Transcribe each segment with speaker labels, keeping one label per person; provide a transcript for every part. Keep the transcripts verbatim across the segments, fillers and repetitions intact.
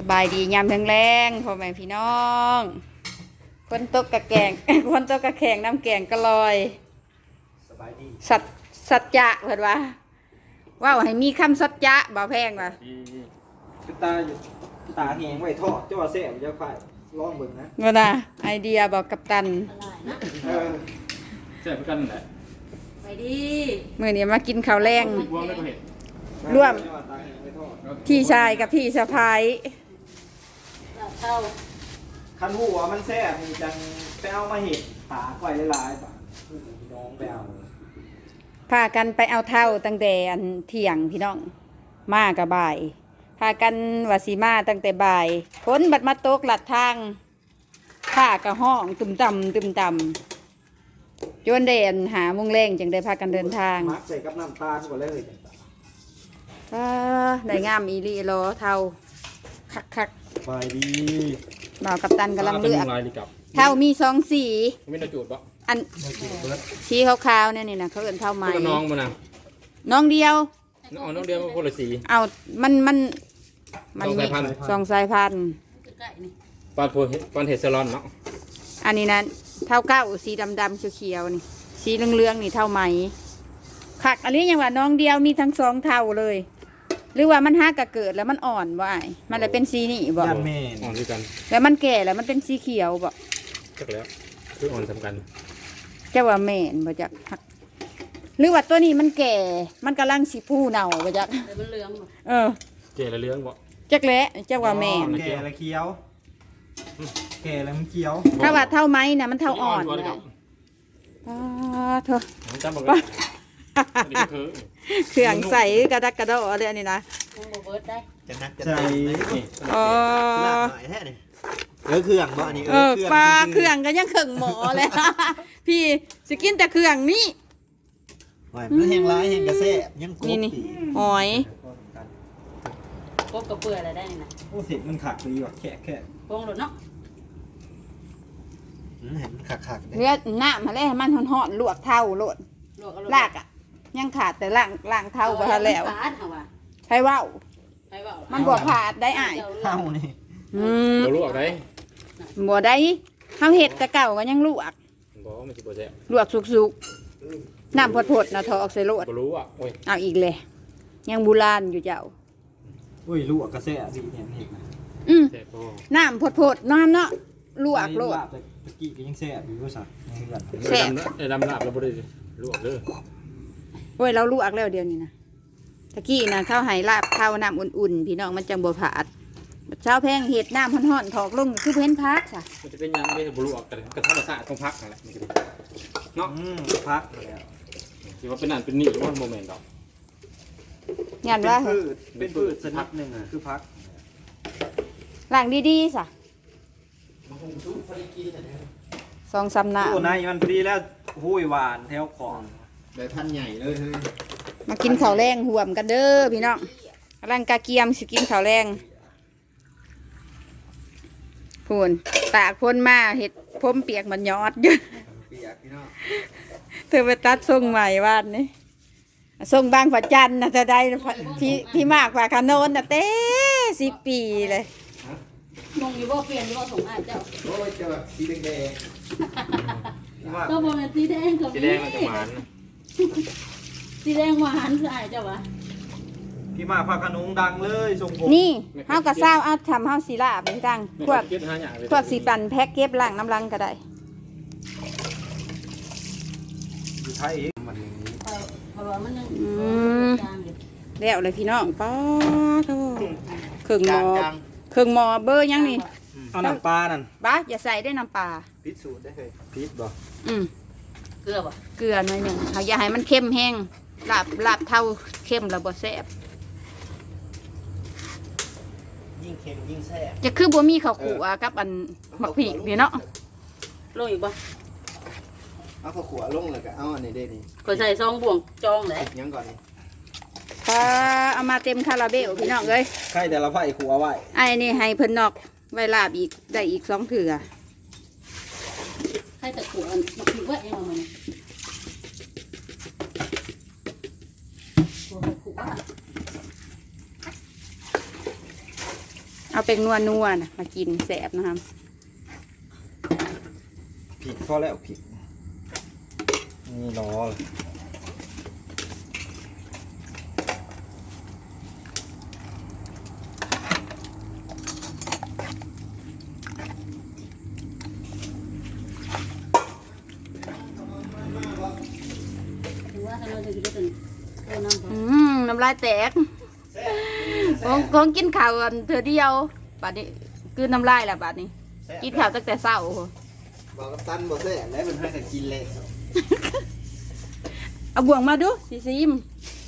Speaker 1: บายดียามแรงๆพ่อแม่พี่น้องคนตกกะแกง คนตกกะแข่งน้ำแกงก็ลอย
Speaker 2: สบายดี
Speaker 1: สัจสัจจะเพิ่นว่าว่าให้มีคำสัจจะบ่แพงว่ะ
Speaker 2: คือตาตาแหงไว้ทอดเจ้าว่าแซ่บจะค่อยลองเบิ่งนะ
Speaker 1: บ่น่ะไอเดียบอกกัปตัน
Speaker 2: เออ
Speaker 3: แซ่บกันนั่นแหละ
Speaker 4: ไปดี
Speaker 1: มื้อนี้มากินข้าวแรง
Speaker 3: รวมแล้วก็เห็ด
Speaker 1: ร่วมพี่ชายกับพี่สะพ้าย
Speaker 4: เข้า
Speaker 2: คันหูว่ามันแซ่บมีจังไปเอามาเห็ดตาก้อยหลายๆป่ะน้องไปเอา
Speaker 1: พากันไปเอาเท่าตั้งแต่อันเที่ยงพี่น้องมากับบ่ายพากันว่าสิมาตั้งแต่บ่ายฝนบัดมาตกหลัดทางข้ากระห้องตุ่มต่ำตุ่มต่ำจนเด่นหามุงแรงจึงได้พากันเดินทาง
Speaker 2: มักใส่กับน้ำตาลก่อนเลย
Speaker 1: อ่าได้งามอีลีโลเท่าคักคัก
Speaker 2: สบายดี
Speaker 1: บ่าวกัปตันกำลังเลือก
Speaker 3: ลายดีกับ
Speaker 1: เท่ามีสองสี
Speaker 3: ไม่น่าจูดปะ
Speaker 1: อันสีขาวๆเนี่ยนี่นะเขาเอิ้นเท่าไหม
Speaker 3: น้องมันนะ
Speaker 1: น้องเดียว
Speaker 3: น้องน้องเดียวคนละสี
Speaker 1: เอามันมันมันมีสองสายพันธุ์
Speaker 3: ปานโพปานเฮซลอนเนาะ
Speaker 1: อันนี้นะเท่าเก้าสีดำๆเขียวๆนี่สีเหลืองๆนี่เท่าไหมคักอันนี้ยังว่าน้องเดียวมีทั้งสองเท่าเลยหรือว่ามันฮักกะเกิดแล้วมันอ่อนบ่ไอ้มันเลยเป็นสีนี่บ่
Speaker 2: ยันแม่
Speaker 3: อ่อนด้วยกัน
Speaker 1: แล้วมันแก่แล้วมันเป็นสีเขียวบ่
Speaker 3: จักแล้วคืออ่อนสำคัญ
Speaker 1: เจ้าว่าแม่นบ่จักฮักหรือว่าตัวนี้มันแก่มันกำลังสิผู้เน่าบ่จัก
Speaker 4: มันเหลือง
Speaker 1: เออ
Speaker 3: แก่ละเรื่องบ่
Speaker 1: จักแหละเจ้าว่าแม่น
Speaker 2: แก่ละเคี้ยวแก่แล้วมันเคี้ยว
Speaker 1: ถ้าว่าเท่าไหมน่ะมันเท่าอ่อนเลยอ๋อเถอะ
Speaker 3: จำบอกว่า
Speaker 1: เครื่องใส่กระดักกระโดดอะไรนี่นะ
Speaker 2: จะนักจะใส่
Speaker 1: อ๋อ
Speaker 2: หน่อยแท้นี่เออเครื่องบ่อันนี้
Speaker 1: เออปลาเครื่องก็ยังเครื่องหมอเลยพี่สกินแต่เครื่องนี้
Speaker 2: หอยมันแห้งร้ายแห้งกระเซ่ยังกบ
Speaker 1: นี่นี่หอย
Speaker 4: กบกับเปลือยอะไรได้นี่นะ
Speaker 2: โอ้เสร็จมันขักดีว่ะแค่แค่
Speaker 4: พงหลุดเนาะ
Speaker 2: เห็นขักขัก
Speaker 1: เลือดหน้ามาแล้วมันห่อนๆลวกเท่าโลดลากอ่ะยังขาดแต่ล่างล่างเท่าไปแล้วใช่ว่ามันบวกขาดได้อ่าย
Speaker 2: เท่านี่
Speaker 1: อืม
Speaker 3: ลวกได้
Speaker 1: บัวได้ข้าวเห็ดกะเก่าก็ยังลวก
Speaker 3: บ่มันสิบ่แซ่บ
Speaker 1: ลวกสุกๆน้ำพดๆนะทอออกใส่โลด
Speaker 3: บ่รู้อ่ะโอ้ย
Speaker 1: เอาอีกเลยยังโบราณอยู่เจ้า
Speaker 2: อุ้ยลวกกระแซ่ดีเนี่ยเห็นนะ
Speaker 1: อืมน้ำพดๆน้ำเนาะลวกโลด
Speaker 2: ตะกี้ก็ยังแซ่บอยู่ก็สัก
Speaker 1: แซ่บ
Speaker 3: ไอ้ดำลาบเราบ่ได้ลวกเด้อ
Speaker 1: โอ้ยเราลวกแล้วเดี๋ยวนี้นะตะกี้นะข้าวไหลาบข้าวน้ำอุ่นๆพี่น้องมันจังบัวผาดเช้าแพงเห็ดน้ำห่อนๆถอกลงคือเพ้นพักค่ะ
Speaker 3: มันจะเป็นยังไม่บลวกกันกระทะกระสะต้องพักนั่นแหละเนาะ
Speaker 2: พักแล้ว
Speaker 3: ที่ว่าเป็นนั่นเป็นนี่ว่าโมเมนต์ดอก
Speaker 1: งานว่า
Speaker 2: เป็นพืชชนิดหนึ่งคือพัก
Speaker 1: หลังดีๆสะสองสามหน้า
Speaker 2: โอ้นายมันพอดีแล้วหุ้ยหวานแถวของได้พันใหญ่เลยเฮ้ย
Speaker 1: มากินข้าวแรงห่วมกันเด้อพี่น้องร่างกาเกียมสิกินข้าวแรงพูนตากพ้นมาเห็ดพ้มเปียกมันยอดเยอะเธอไปตัดทรงใหม่วาดนี่ทรงบางฝัจันนะจะได้พี่พี่มากกว่าขนนนะเต้สิบปีเลย
Speaker 4: มองอยู่ว่าเปลี่ยนอยู่ว่าสงอาเจ้า
Speaker 2: โอ้ยเจ้าสีแดง
Speaker 4: ก็บอกเป็นสีแดงกับ
Speaker 3: สีแดงมันจะหวาน
Speaker 4: สีแดงหวานคือไอ้เจ้าวะ
Speaker 2: พี่มาพาขนมดังเลยทรงผม
Speaker 1: นี่เฮากระซ้าเอาทำเฮาสีลาบเป็นดังพวกพวกสีปันแพ็กเก็บล่างน้ำลังก็ได้
Speaker 2: อยู่ไทยเองมันอย่างนี้
Speaker 4: เพราะว่ามันยัง
Speaker 1: แล้วเลยพี่น้องป้าโธ่เครื่องหม้อเครื่องหม้อเบอร์ยังนี่
Speaker 2: เอาน้ำปลานั่น
Speaker 1: บ้าอย่าใส่ได้น้ำปลา
Speaker 2: พิษสูตรได้เลยพิษบ่
Speaker 1: อืม
Speaker 4: เกลือบ่
Speaker 1: เกลือหน่อยหนึ่งเขาอย่าให้มันเข้มแห้งลาบลาบเท่าเข้มแล้วบ่แซ่บ
Speaker 2: ยิ่งเค็มยิ่งแซ่บ
Speaker 1: จะคือบ่มีข้าวคั่วกับอันหมักผีนี่เนาะ
Speaker 4: ลงอีกบ่
Speaker 2: เอาข้าวคั่วลงเลยก็เอาอันนี้ได้นี่
Speaker 4: ก็ใส่ซองบ่วงจองเลย
Speaker 2: ยังก่อนนี่
Speaker 1: ถ้าเอามาเต็มคาราเบลพี่น้องเอ้ย
Speaker 2: ใครแต่ละไฟคั่วไว้
Speaker 1: ไอ้นี่ให้เพิ่นนอกไว้ลาบอีกได้อีกสองเถื่อ
Speaker 4: ใครแต่ขัวมาคิดว่าเองมัน
Speaker 1: เอาเป็นนัวนัวนะมากินแสบนะครับ
Speaker 2: ผิดพอแล้วผิดนี่รอ
Speaker 4: ถือว่าถ้าเราจะกินได้เป็นเออน้ำ
Speaker 1: อืมน้ำลายแตกของของกินข้าวอันเธอเดียวบัดนี้คือน้ำลายแหละบัดนี้ กินข้าวตั้งแต่เช้า
Speaker 2: บอกกับตันบอกแซ่แล้วมันให้กันกินเลย
Speaker 1: เอาบ่วงมาดูสิซิม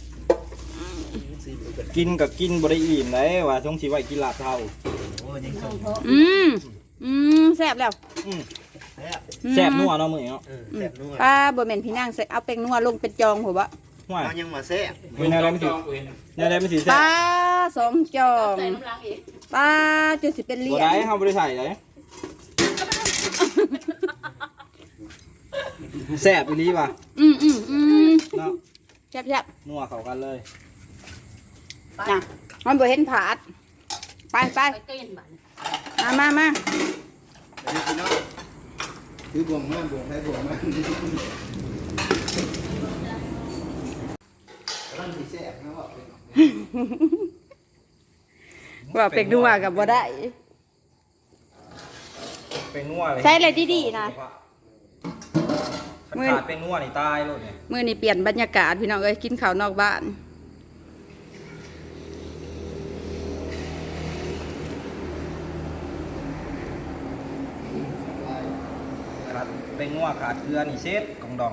Speaker 2: กินกับกินบริอิ่มเลยว่าช่วงชีวิตกินลาบเท่า
Speaker 4: น้ำเพาะ
Speaker 1: อืมอืมแซ่บแล้ว
Speaker 2: แซ่บนัวเนาะมือเนาะ
Speaker 5: แซ่บนัว
Speaker 1: ป้าบ่แม่นพี่นางใส่เอาแป้งนัวลงเป็นจองหัวบะ
Speaker 2: ห่วย
Speaker 5: เอายังมาแซ่บ
Speaker 2: มีแนวอะไรไม่ถือแนวอะไรไม่ถือแซ่บ
Speaker 1: ป้าสองจอง
Speaker 4: ใส่น้ำล้างอีก
Speaker 1: ป้าจุดสิเป็นเหรี
Speaker 2: บ่
Speaker 1: ยญ
Speaker 2: ได้เฮาบ่ได้ใส่เลยแซ่บอีหลีว่ะ
Speaker 1: อืมอืมอืม
Speaker 2: เนาะ
Speaker 1: แซ่บแซ่บ
Speaker 2: นัวเข้ากันเลย
Speaker 1: น่ะมันบ่เห็นผาดไปไป
Speaker 4: ไปเต้นบ้าน
Speaker 1: มามามา
Speaker 5: เดี๋ยวพี่น้องคือบวงมากบวงให้บวงมากร่างที่แซ่บนะว่าเป็น
Speaker 1: ว่าเป็กนัวกับบ่ได้
Speaker 2: เป็นนัวเลย
Speaker 1: ใช้อะไรดีๆนะ
Speaker 2: ขาดเป็นนัวนี่ตายโลดเนี่ย
Speaker 1: มื้อนี้เปลี่ยนบรรยากาศพี่น้องเอ้ยกินข้าวนอกบ้าน
Speaker 2: ขาดเป็นนัวขาดเกลือนี่เซ็ตกองดอง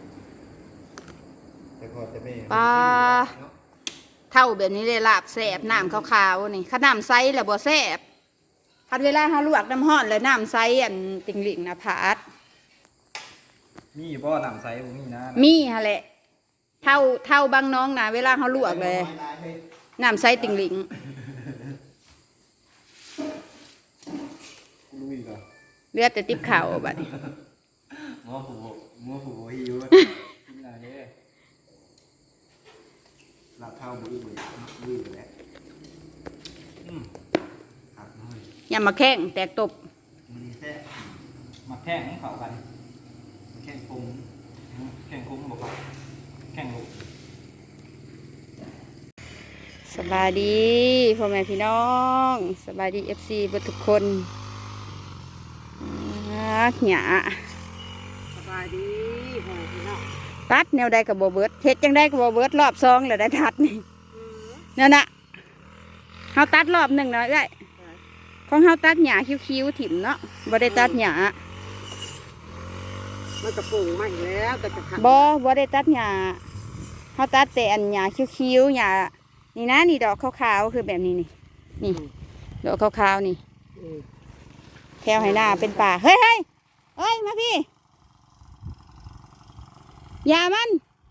Speaker 5: แต่พอจะไม่
Speaker 1: ปลาเท่าแบบนี้เลยลาบแสบน้ำขาวๆนี่ข้าน้ำใสแหละบ่แสบคันเวลาเฮาลวกน้ำห้อนแล้วน้ำใสอันติ่งหลิงนะพาด
Speaker 2: มีบ่น้ำใสบ่มีนะ
Speaker 1: มีฮะแหละเท่าเท่าบางน้องนะเวลาเฮาลวกเลยน้ำใสติ่งหลิง
Speaker 5: ลุยก่อน
Speaker 1: เหลือแต่ติ๊บข้าวบัดนี้
Speaker 5: มัวผูมัวผูหิว
Speaker 2: กินอะไรเด้
Speaker 5: หลับเท้าบุ้ยบุ้ยบุ้ยแล้วอืมหักน้อย
Speaker 1: อย่ามาแข้งแตกตบ
Speaker 5: มันดีแซ่บ
Speaker 2: มาแข่งเข้ากันแข่งคุ้มแข่งคุ้มบ่ครับแข่งลูก
Speaker 1: สบายดีพ่อแม่พี่น้องสบายดี เอฟ ซีเบิดทุกคนอ่าหยา
Speaker 4: สบายดีพ่อแม่พี่น้อง
Speaker 1: ตัดแนวใดกับบ่เบิดเฮ็ดจังได้กับบ่เบิดรอบสองแล้วได้ตัดนี่นั่นน่ะเฮาตัดรอบหนึ่งเนาะเอ้ยของเฮาตัดหญ้าคิ้วๆถิ่มเนาะบ่ได้ตัดหญ้า
Speaker 4: มันกระปุงมาอีกแล้วก็จะขัด
Speaker 1: บ่บ่ได้ตัดหญ้าเฮาตัดแต่อันหญ้าคิ้วๆหญ้านี่นะนี่ดอกขาวๆคือแบบนี้นี่นี่ดอกขาวๆนี่แถวให้หน้าเป็นป่าเฮ้ยเฮ้ยเอ้ยมาพี่อย่ามัน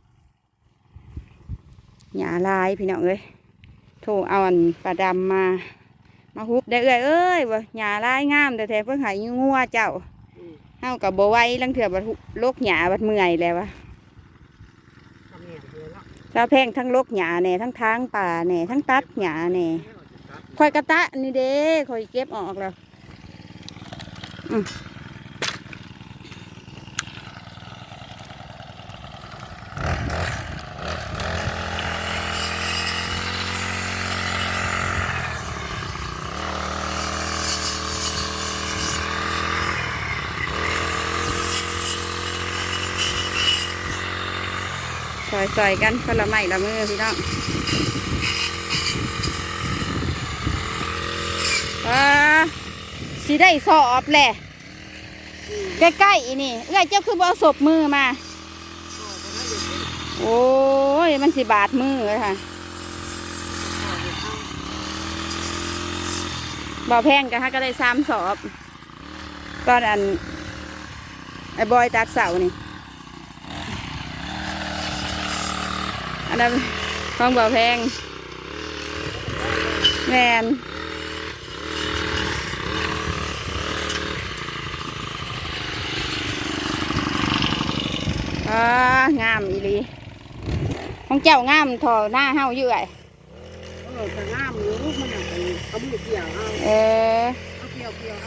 Speaker 1: หญ้าลายพี่น้องเอ้ยโทรเอาอันปลาดำมามาฮุบได้เอ้ยเอ้ยว่าหญ้าลายงามแต่แท้เพิ่งหายงัวเจ้าเฮากับบ่ไหวลังเถื่อบัดโลกหญ้าบัดเมื่อยแล้ววะ
Speaker 4: ทำเนี่ยเลยเนาะ
Speaker 1: เราแพงทั้งโลกหญ้าแหน่ทั้งทางป่าแหน่ทั้งตัดหญ้าแหน่คอยกระตะนี่เด้คอยเก็บออกแล้วอืมใส่ๆกันคนละไม้ละมือพี่น้องอ่าสิได้สอบแหละใกล้ๆอีนี่เอ้ยเจ้าคือบ่เอาศพมือมา โอ้ยมันสิบาดมือเลยค่ะบ่แพงกันฮะก็ได้สามสอบตอนอันไอ้บอยตัดเสานี่อันนั้นของบ่แพงแมนอ่างามอีหลีของเจ้างามทอหน้าเฮาอยู่ไอ้
Speaker 4: เออแต่งามอยู่มันอย่างนี้เอามือเกี่ยวเอา
Speaker 1: เออ
Speaker 4: เอาเกี่ยวเกี่ยวเอา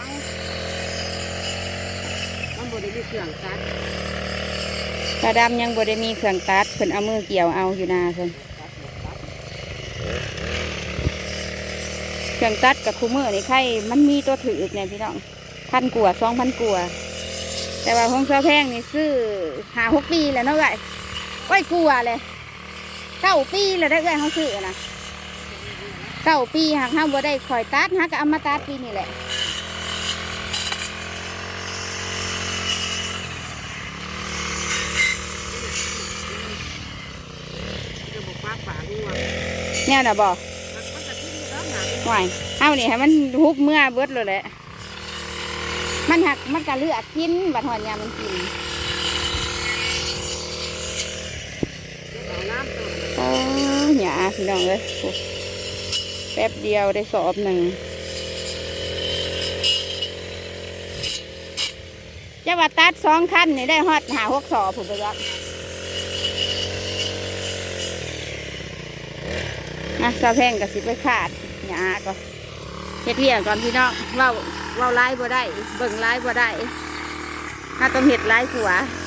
Speaker 4: มันบ่ได้มีเครื่องตัด
Speaker 1: ตาดำยังบ่ได้มีเครื่องตัดเพิ่นเอามือเกี่ยวเอาอยู่นาเพิ่นเครื่องตัดกับคูมือนี่ใครมันมีตัวถือเนี่ยพี่น้องพันกว่าสองพันกว่าแต่ว่าของเสื้อแพงนี่ซื้อหาหกปีแล้วเนาะเอ้ยโอ้ยกลัวเลยเก้าปีแล้วได้เอ้ยเขาซื้อนะเก้าปีหากห้าบ่ได้คอยตัดหากก็เอามาตัดปีนี่แหละ
Speaker 4: จะบอกปากปากงัว
Speaker 1: เนี่ยนะบอก
Speaker 4: มันมันจะทิ้งอยู่แล้วหนา
Speaker 1: ห่วยเอานี่ให้มันฮุบเมื่อเบิดเลยแหละมันหักมันกะเลือกกินบัดหอนยามันกิน
Speaker 4: เอาน้ำเติม
Speaker 1: โอ้หยาพี่น้องเลยโอ้แป๊บเดียวได้สอบหนึ่งจะว่าตัดสองคันนี่ได้ฮอดหาหกสอบผมไปรับนะซาแพงกับสิไปขาดหยาก็เฮ็ดเวียก่อนพี่น้องเว้าเว้าไล่บ่ได้เบิ่งไล่บ่ได้ถ้าต้องเฮ็ดไล่ผัว
Speaker 4: เ